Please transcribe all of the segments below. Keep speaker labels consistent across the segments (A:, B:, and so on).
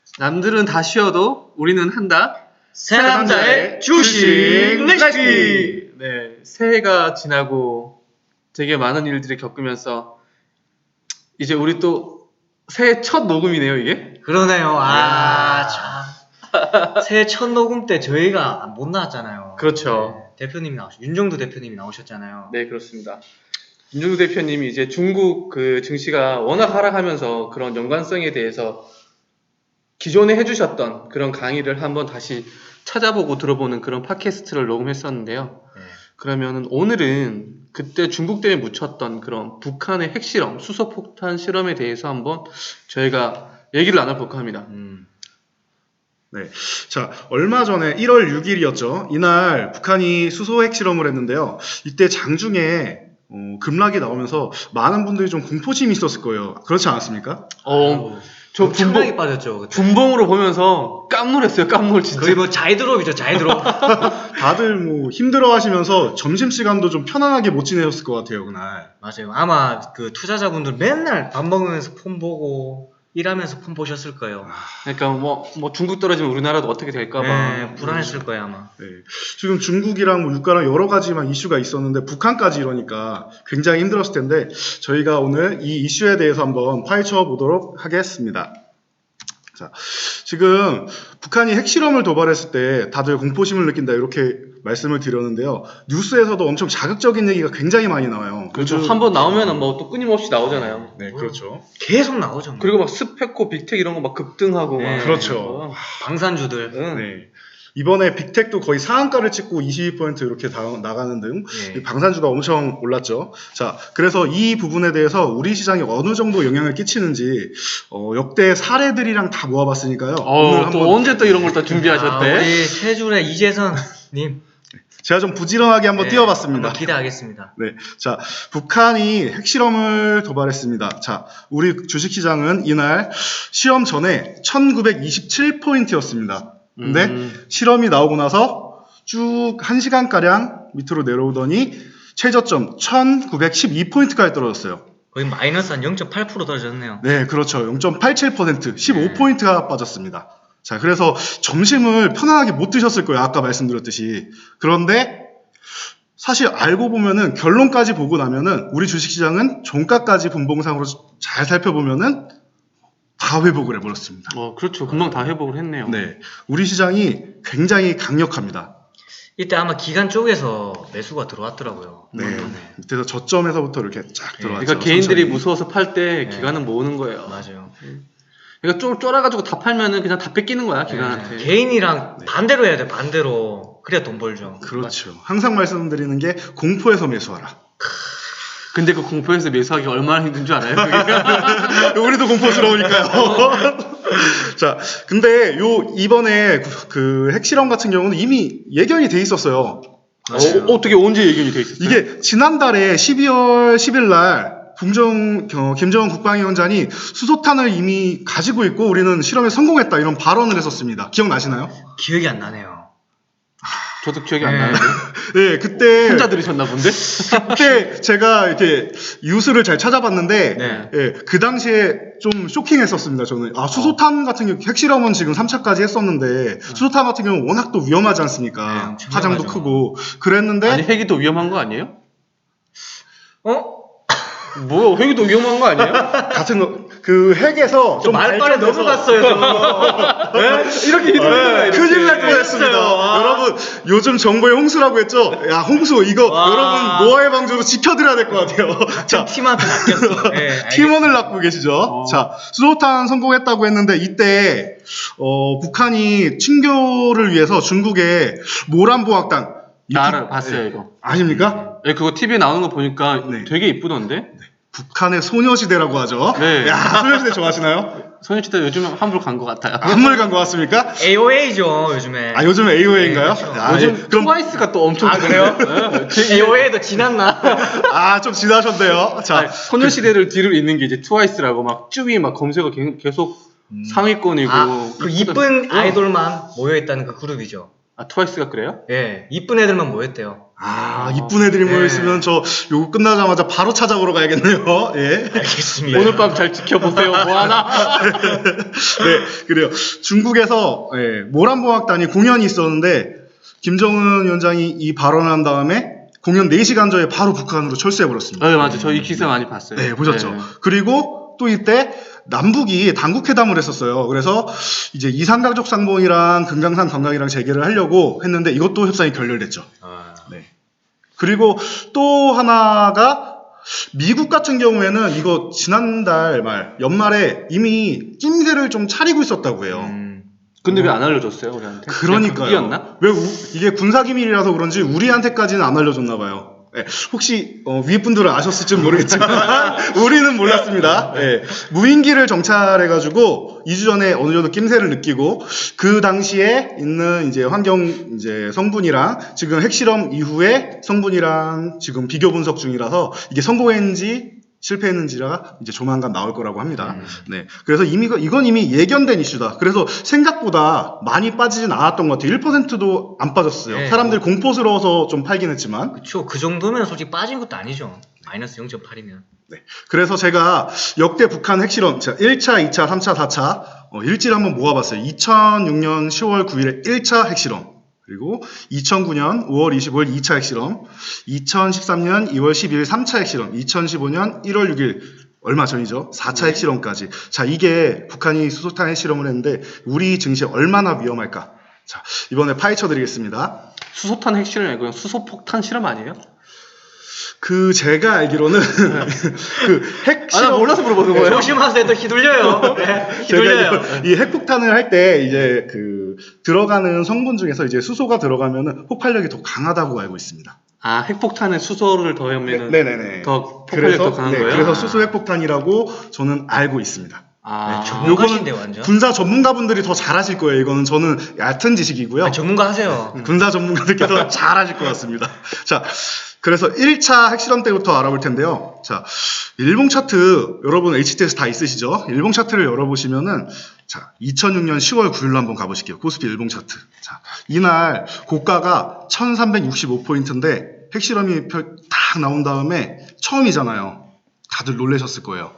A: 남들은 다 쉬어도 우리는 한다.
B: 새 남자의 주식 레시피.
A: 네, 새해가 지나고 되게 많은 일들을 겪으면서 이제 우리 또 새해 첫 녹음이네요, 이게.
B: 그러네요. 참. 새해 첫 녹음 때 저희가 못 나왔잖아요.
A: 그렇죠.
B: 네, 대표님이 윤종두 대표님이 나오셨잖아요.
A: 네, 그렇습니다. 윤종두 대표님이 이제 중국 그 증시가 워낙 하락하면서 그런 연관성에 대해서 기존에 해주셨던 그런 강의를 한번 다시 찾아보고 들어보는 그런 팟캐스트를 녹음했었는데요.
B: 네.
A: 그러면 오늘은 그때 중국 때문에 묻혔던 그런 북한의 핵실험, 수소폭탄 실험에 대해서 한번 저희가 얘기를 나눠볼까 합니다.
C: 네. 자, 얼마 전에 1월 6일이었죠. 이날 북한이 수소 핵실험을 했는데요. 이때 장중에 급락이 나오면서 많은 분들이 좀 공포심이 있었을 거예요. 그렇지 않았습니까?
A: 저
B: 엄청나게 빠졌죠. 그때.
A: 분봉으로 보면서 깜놀했어요. 깜놀 진짜.
B: 거의 뭐 자이드롭이죠. 자이드롭.
C: 다들 뭐 힘들어 하시면서 점심시간도 좀 편안하게 못 지내셨을 것 같아요, 그날.
B: 맞아요. 아마 그 투자자분들 맨날 밥 먹으면서 폰 보고 일하면서 폰 보셨을 거예요.
A: 그러니까 뭐 중국 떨어지면 우리나라도 어떻게 될까봐
B: 네, 불안했을 거예요 아마.
C: 네. 지금 중국이랑 뭐 유가랑 여러 가지만 이슈가 있었는데 북한까지 이러니까 굉장히 힘들었을 텐데 저희가 오늘 이 이슈에 대해서 한번 파헤쳐 보도록 하겠습니다. 자, 지금 북한이 핵실험을 도발했을 때 다들 공포심을 느낀다 이렇게 말씀을 드렸는데요. 뉴스에서도 엄청 자극적인 얘기가 굉장히 많이 나와요.
A: 그렇죠. 한번 나오면은 뭐 또 끊임없이 나오잖아요.
C: 네, 그렇죠.
B: 계속 나오죠. 뭐.
A: 그리고 막 스페코, 빅텍 이런 거 막 급등하고
B: 네,
A: 막
C: 그렇죠.
B: 방산주들.
A: 응.
C: 네. 이번에 빅텍도 거의 상한가를 찍고 22% 이렇게 나가는 등
B: 네.
C: 방산주가 엄청 올랐죠. 자, 그래서 이 부분에 대해서 우리 시장에 어느 정도 영향을 끼치는지 역대 사례들이랑 다 모아봤으니까요. 오늘
A: 또
C: 한번
A: 언제 또 이런 걸 또 준비하셨대?
B: 우리 세 줄의 이재선님
C: 제가 좀 부지런하게 한번
B: 네,
C: 띄워봤습니다.
B: 한번 기대하겠습니다.
C: 네, 자, 북한이 핵실험을 도발했습니다. 자, 우리 주식시장은 이날 시험 전에 1927포인트였습니다. 근데 실험이 나오고 나서 쭉 1시간가량 밑으로 내려오더니 최저점 1912포인트까지 떨어졌어요.
B: 거의 마이너스 한 0.8% 떨어졌네요.
C: 네, 그렇죠. 0.87%, 15포인트가 빠졌습니다. 자, 그래서 점심을 편안하게 못 드셨을 거예요. 아까 말씀드렸듯이. 그런데 사실 알고 보면은 결론까지 보고 나면은 우리 주식시장은 종가까지 분봉상으로 잘 살펴보면은 다 회복을 해버렸습니다.
A: 그렇죠. 금방 다 회복을 했네요.
C: 네, 우리 시장이 굉장히 강력합니다.
B: 이때 아마 기관 쪽에서 매수가 들어왔더라고요.
C: 네, 밑에서 저점에서부터 이렇게 쫙 들어왔죠.
A: 그러니까 개인들이
C: 천천히.
A: 무서워서 팔 때
B: 네.
A: 기관은 모으는 거예요.
B: 맞아요.
A: 그러니까 쫄아가지고 다 팔면은 그냥 다 뺏기는 거야, 기관한테.
B: 네. 개인이랑 반대로 해야 돼. 반대로. 그래야 돈 벌죠.
C: 그렇죠. 항상 말씀드리는 게 공포에서 매수하라.
A: 근데 그 공포에서 매수하기 얼마나 힘든 줄 알아요? 그게?
C: 우리도 공포스러우니까요. 자, 근데 이번에 그 핵실험 같은 경우는 이미 예견이 돼 있었어요.
A: 어떻게 언제 예견이 돼 있었어요?
C: 이게 지난달에 12월 10일 날 김정은 국방위원장이 수소탄을 이미 가지고 있고 우리는 실험에 성공했다 이런 발언을 했었습니다. 기억나시나요?
B: 기억이 안 나네요.
A: 저도 기억이 안 나는데.
C: 네, 그때
A: 혼자 들으셨나 본데?
C: 그때 제가 이렇게 뉴스를 잘 찾아봤는데
B: 네.
C: 예, 그 당시에 좀 쇼킹했었습니다. 저는 수소탄 같은 경우 핵실험은 지금 3차까지 했었는데 수소탄 같은 경우는 워낙 또 위험하지 않습니까?
B: 네, 엄청
C: 파장도
B: 위험하죠.
C: 크고 그랬는데
A: 아니, 핵이 더 위험한 거 아니에요?
B: 뭐
A: 핵이 더 위험한 거 아니에요?
C: 같은 거 그 핵에서 좀
B: 말빨에
C: 발전돼서
B: 넘어갔어요.
A: 이렇게
C: 네, 큰일 날 뻔했습니다. 여러분 요즘 정보의 홍수라고 했죠? 야 홍수 이거 여러분 노아의 방주로 지켜드려야 될 것 같아요. 자,
B: 팀한테 맡겼어. 네,
C: 팀원을 낳고 계시죠? 자, 수소탄 성공했다고 했는데 이때 북한이 친교를 위해서 중국의 모란보학당
A: 나를 봤어요, 이거.
C: 아십니까?
A: 네, 그거 TV에 나오는 거 보니까
C: 네.
A: 되게 이쁘던데?
C: 북한의 소녀시대라고 하죠.
A: 네.
C: 야, 소녀시대 좋아하시나요?
A: 소녀시대 요즘 환불 간 것 같아요.
C: 한물 간 것 같습니까?
B: AOA죠 요즘에.
C: 아, 요즘 AOA인가요?
B: 네, 그렇죠.
A: 요즘
C: 그럼
A: 트와이스가 또 엄청
B: 그래요? AOA도 지났나?
C: 좀 지나셨네요. 자,
A: 소녀시대를 뒤를 잇는 게 이제 트와이스라고 막 쭈위 막 검색어 계속 상위권이고.
B: 그 이쁜 아이돌만 모여있다는 그 그룹이죠.
A: 아, 트와이스가 그래요?
B: 예, 이쁜 애들만 모였대요.
C: 이쁜 애들이
B: 네.
C: 모여있으면 저 요거 끝나자마자 바로 찾아보러 가야겠네요. 예.
B: 알겠습니다.
A: 오늘 밤 잘 지켜보세요. 뭐 하나?
C: 네, 그래요. 중국에서 모란봉학단이 공연이 있었는데 김정은 위원장이 이 발언을 한 다음에 공연 4시간 전에 바로 북한으로 철수해버렸습니다.
A: 네, 맞아요. 저 이 기사 많이 봤어요.
C: 네, 보셨죠?
A: 네.
C: 그리고 또 이때 남북이 당국회담을 했었어요. 그래서 이제 이산가족 상봉이랑 금강산 관광이랑 재개를 하려고 했는데 이것도 협상이 결렬됐죠. 네. 그리고 또 하나가 미국 같은 경우에는 이거 지난달 연말에 이미 낌새를 좀 차리고 있었다고 해요.
A: 근데 왜 안 알려줬어요, 우리한테?
C: 그러니까요.
A: 이었나?
C: 왜 이게 군사기밀이라서 그런지 우리한테까지는 안 알려줬나 봐요. 네, 혹시 위에 분들은 아셨을지 모르겠지만 우리는 몰랐습니다. 네, 무인기를 정찰해가지고 2주 전에 어느 정도 낌새를 느끼고 그 당시에 있는 이제 환경 이제 성분이랑 지금 핵실험 이후에 성분이랑 지금 비교 분석 중이라서 이게 성공했는지 실패했는지가 이제 조만간 나올 거라고 합니다. 네. 그래서 이건 이미 예견된 이슈다. 그래서 생각보다 많이 빠지진 않았던 것 같아요. 1%도 안 빠졌어요.
B: 네,
C: 사람들이 공포스러워서 좀 팔긴 했지만.
B: 그쵸. 그 정도면 솔직히 빠진 것도 아니죠. 마이너스 0.8이면.
C: 네. 그래서 제가 역대 북한 핵실험, 1차, 2차, 3차, 4차, 일지를 한번 모아봤어요. 2006년 10월 9일에 1차 핵실험. 그리고 2009년 5월 25일 2차 핵실험, 2013년 2월 12일 3차 핵실험, 2015년 1월 6일 얼마 전이죠. 4차 핵실험까지. 자, 이게 북한이 수소탄 핵실험을 했는데 우리 증시에 얼마나 위험할까? 자, 이번에 파헤쳐 드리겠습니다.
A: 수소탄 핵실험 아니고 그냥 수소폭탄 실험 아니에요?
C: 제가 알기로는 그
A: 아, 나
C: 핵실험
A: 몰라서 물어보는 거예요.
B: 조심하세요. 또 휘둘려요. 네, 휘둘려요.
C: 제가 이 핵폭탄을 할 때 이제 들어가는 성분 중에서 이제 수소가 들어가면은 폭발력이 더 강하다고 알고 있습니다.
A: 아, 핵폭탄에 수소를 더하면은
C: 네네네.
A: 더 폭발력이 더 강한 거예요?
C: 그래서 수소 핵폭탄이라고 저는 알고 있습니다.
A: 아,
B: 전문가신데 완전.
C: 군사 전문가분들이 더 잘하실 거예요. 이거는 저는 얕은 지식이고요.
B: 전문가 하세요.
C: 군사 전문가들께서 잘하실 것 같습니다. 자, 그래서 1차 핵실험 때부터 알아볼 텐데요. 자, 일봉 차트 여러분 HTS 다 있으시죠? 일봉 차트를 열어보시면은 자, 2006년 10월 9일로 한번 가보실게요. 코스피 일봉 차트. 자, 이날 고가가 1365포인트인데 핵실험이 딱 나온 다음에 처음이잖아요. 다들 놀라셨을 거예요.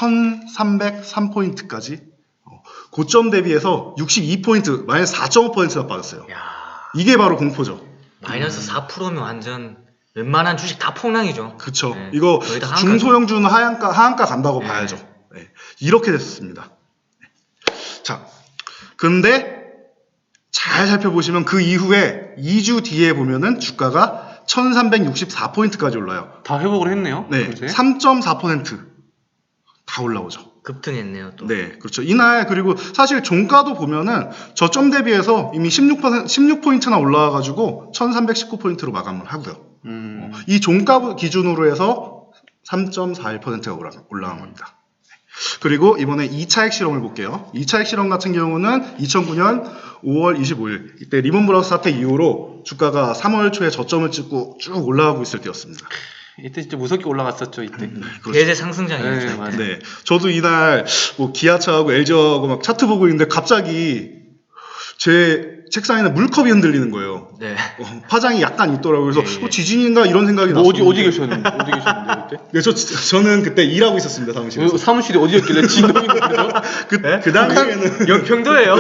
C: 1303포인트까지 고점 대비해서 62포인트, 마이너스 4.5%가 빠졌어요.
B: 야,
C: 이게 바로 공포죠.
B: 마이너스 4%면 완전 웬만한 주식 다 폭락이죠.
C: 그쵸.
B: 네,
C: 이거
B: 거의 다
C: 중소형주는 하한가 간다고
B: 네.
C: 봐야죠. 네. 이렇게 됐습니다. 네. 자, 근데 잘 살펴보시면 그 이후에 2주 뒤에 보면은 주가가 1364포인트까지 올라요.
A: 다 회복을 했네요.
C: 네.
A: 그새?
C: 3.4% 다 올라오죠.
B: 급등했네요. 또.
C: 네, 그렇죠. 이날 그리고 사실 종가도 보면은 저점 대비해서 이미 16포인트나 올라와가지고 1319포인트로 마감을 하고요. 이 종가 기준으로 해서 3.41%가 올라간 겁니다. 그리고 이번에 2차 핵실험을 볼게요. 2차 핵실험 같은 경우는 2009년 5월 25일 이때 리먼 브라더스 사태 이후로 주가가 3월 초에 저점을 찍고 쭉 올라가고 있을 때였습니다.
A: 이때 진짜 무섭게 올라갔었죠, 이때.
C: 그렇죠.
B: 대세 상승장이었죠.
A: 네, 맞아요.
C: 네, 저도 이날 뭐 기아차하고 LG하고 막 차트 보고 있는데 갑자기 제 책상에는 물컵이 흔들리는 거예요.
B: 네.
C: 파장이 약간 있더라고요. 그래서
B: 예, 예.
C: 지진인가 이런 생각이
A: 뭐
C: 났어요.
A: 어디 계셨는데? 어디 계셨는데, 그때?
C: 네, 저는 그때 일하고 있었습니다, 사무실에서.
A: 사무실이 어디였길래 진동인데 그래서?
C: 그 당시에는
B: 연평도예요.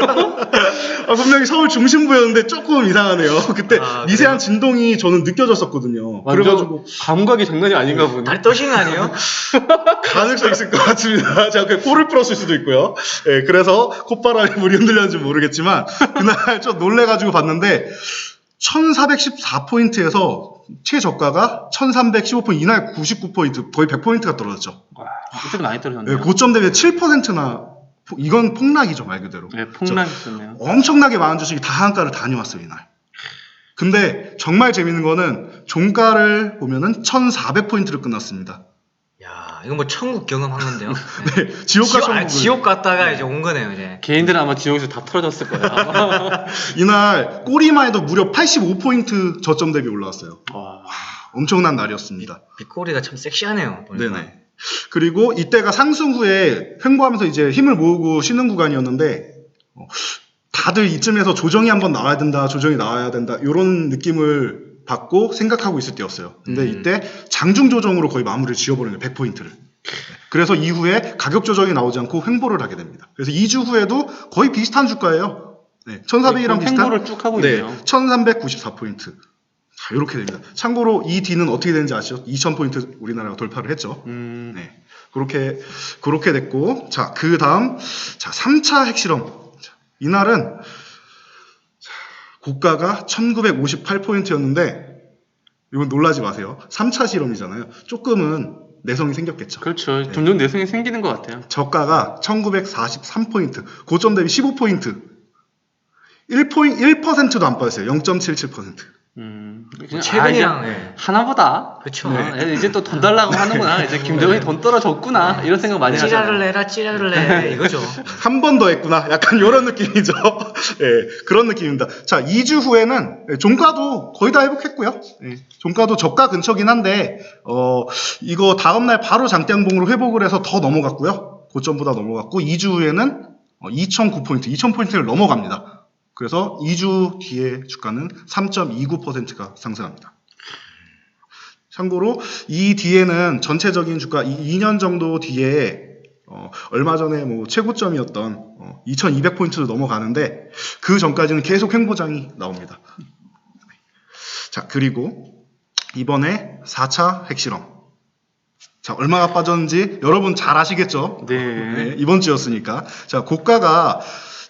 C: 분명히 서울 중심부였는데 조금 이상하네요. 그때
B: 아,
C: 미세한 진동이 저는 느껴졌었거든요.
A: 완전
C: 그래가지고
A: 감각이 장난이 아닌가 보네.
B: 다리 떠신 거 아니에요?
C: 가능성 있을 것 같습니다. 제가 그 코를 풀었을 수도 있고요. 예, 그래서 콧바람에 물이 흔들렸는지 모르겠지만 그날 좀 놀래가지고 봤는데 1414포인트에서 최저가가 1315포인트, 이날 99포인트, 거의 100포인트가 떨어졌죠.
A: 와, 이때도 많이 떨어졌네요.
C: 예, 고점 대비 7%나 이건 폭락이죠, 말 그대로.
A: 네, 폭락했었네요.
C: 엄청나게 많은 주식이 다 한가를 다녀왔어요, 이날. 근데 정말 재밌는 거는 종가를 보면은 1400포인트로 끝났습니다.
B: 야, 이거 뭐 천국 경험한 건데요.
C: 네, 지옥과 천국을.
B: 지옥 갔다가 이제 온 거네요, 이제.
A: 개인들은 아마 지옥에서 다 털어졌을 거예요. 아마.
C: 이날 꼬리만 해도 무려 85포인트 저점 대비 올라왔어요.
A: 와.
C: 엄청난 날이었습니다.
B: 빗꼬리가 참 섹시하네요. 보니까.
C: 네네. 그리고 이때가 상승 후에 횡보하면서 이제 힘을 모으고 쉬는 구간이었는데 다 다들 이쯤에서 조정이 한번 나와야 된다, 조정이 나와야 된다 이런 느낌을 받고 생각하고 있을 때였어요. 근데 이때 장중 조정으로 거의 마무리를 지어버리는 거예요. 100포인트를. 그래서 이후에 가격 조정이 나오지 않고 횡보를 하게 됩니다. 그래서 2주 후에도 거의 비슷한 주가예요. 네, 1400이랑 비슷한
A: 횡보를 쭉 하고
C: 네,
A: 있네요.
C: 1394포인트. 자, 이렇게 됩니다. 참고로 이 D는 어떻게 되는지 아시죠? 2000포인트 우리나라가 돌파를 했죠. 네. 그렇게 됐고, 자, 그 다음, 자, 3차 핵실험. 자, 이날은, 자, 고가가 1958포인트였는데, 이건 놀라지 마세요. 3차 실험이잖아요. 조금은 내성이 생겼겠죠.
A: 그렇죠. 점점 내성이 생기는 것 같아요.
C: 저가가 1943포인트, 고점 대비 15포인트. 1%도 안 빠졌어요. 0.77%.
A: 그냥
B: 최근이랑
A: 이제 하나보다.
B: 그쵸.
A: 이제 또 돈 달라고 하는구나. 이제 김정은이 돈 떨어졌구나. 이런 생각 많이 하잖아요.
B: 찌라를 내라 찌라를 내 이거죠.
C: 한 번 더 했구나. 약간 이런 느낌이죠. 예, 그런 느낌입니다. 자, 2주 후에는 종가도 거의 다 회복했고요. 예, 종가도 저가 근처긴 한데, 이거 다음날 바로 장대양봉으로 회복을 해서 더 넘어갔고요. 고점보다 넘어갔고, 2주 후에는 2009포인트, 2000포인트를 넘어갑니다. 그래서 2주 뒤에 주가는 3.29%가 상승합니다. 참고로 이 뒤에는 전체적인 주가 2년 정도 뒤에 얼마 전에 뭐 최고점이었던 2200포인트도 넘어가는데 그 전까지는 계속 횡보장이 나옵니다. 자, 그리고 이번에 4차 핵실험. 자, 얼마가 빠졌는지 여러분 잘 아시겠죠?
A: 네.
C: 이번 주였으니까. 자, 고가가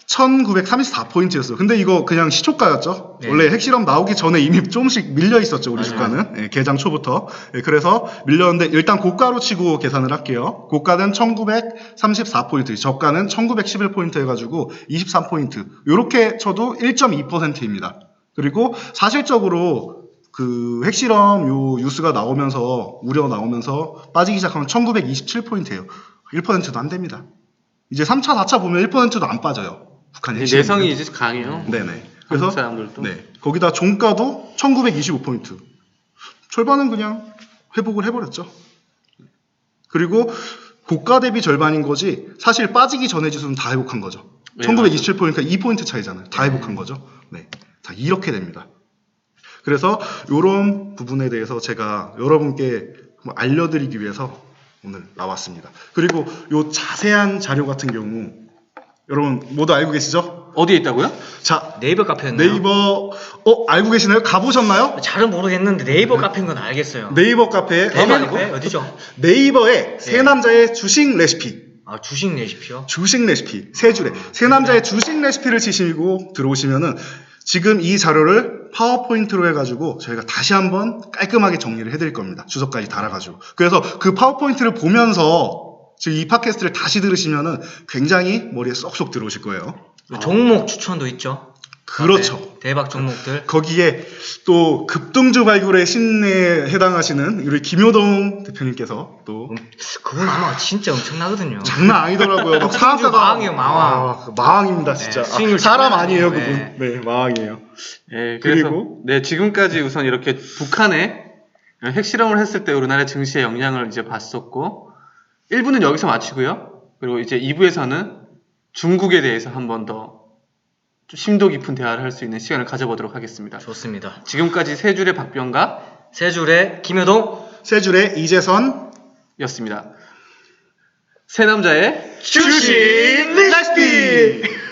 C: 1934포인트였어요. 근데 이거 그냥 시초가였죠.
B: 네.
C: 원래 핵실험 나오기 전에 이미 조금씩 밀려 있었죠, 우리
A: 맞아요.
C: 주가는. 예, 개장 초부터. 예, 그래서 밀렸는데 일단 고가로 치고 계산을 할게요. 고가는 1934포인트, 저가는 1911포인트 해가지고 23포인트. 요렇게 쳐도 1.2%입니다. 그리고 사실적으로 그 핵실험 요 뉴스가 나오면서 우려 나오면서 빠지기 시작하면 1927포인트예요. 1%도 안 됩니다. 이제 3차, 4차 보면 1%도 안 빠져요. 북한이
A: 내성이 이제 강해요.
C: 네네.
A: 그래서
C: 그래서
A: 사람들도.
C: 네, 거기다 종가도 1925포인트. 절반은 그냥 회복을 해버렸죠. 그리고 고가 대비 절반인 거지 사실 빠지기 전에 지수는 다 회복한 거죠.
A: 네,
C: 1927포인트가 2포인트 차이잖아요. 다 회복한 거죠. 네, 자 이렇게 됩니다. 그래서 이런 부분에 대해서 제가 여러분께 알려드리기 위해서 오늘 나왔습니다. 그리고 요 자세한 자료 같은 경우 여러분 모두 알고 계시죠?
A: 어디에 있다고요?
C: 자,
B: 네이버 카페였나요?
C: 네이버 알고 계시나요? 가보셨나요?
B: 잘은 모르겠는데 네이버 카페인 건 알겠어요.
C: 네이버 카페에
B: 네이버
C: 가면
B: 카페 어디죠?
C: 네이버에 세 남자의 주식 레시피
B: 아 주식 레시피요?
C: 주식 레시피 세 줄에 세 남자의 주식 레시피를 치시고 들어오시면은 지금 이 자료를 파워포인트로 해가지고 저희가 다시 한번 깔끔하게 정리를 해드릴 겁니다. 주석까지 달아가지고. 그래서 그 파워포인트를 보면서 지금 이 팟캐스트를 다시 들으시면은 굉장히 머리에 쏙쏙 들어오실 거예요.
B: 종목 추천도 있죠.
C: 그렇죠.
B: 네, 대박 종목들.
C: 거기에 또 급등주 발굴의 신에 해당하시는 우리 김효동 대표님께서 또
B: 그건 아마 진짜 엄청나거든요.
C: 장난 아니더라고요. 막 사업가가
B: 마왕이에요, 마왕.
C: 마왕입니다, 진짜.
B: 네, 수익률
C: 사람
B: 장난
C: 아니에요,
B: 아니에요.
C: 그분. 네, 마왕이에요.
A: 네, 그래서
C: 그리고?
A: 네, 지금까지 우선 이렇게 북한에 핵실험을 했을 때 우리나라 증시의 영향을 이제 봤었고 1부는 여기서 마치고요. 그리고 이제 2부에서는 중국에 대해서 한 번 더 좀 심도 깊은 대화를 할 수 있는 시간을 가져보도록 하겠습니다.
B: 좋습니다.
A: 지금까지 세 줄의 박병가
B: 세 줄의 김효동
C: 세 줄의 이재선
A: 였습니다. 세 남자의
C: 주식 레시피!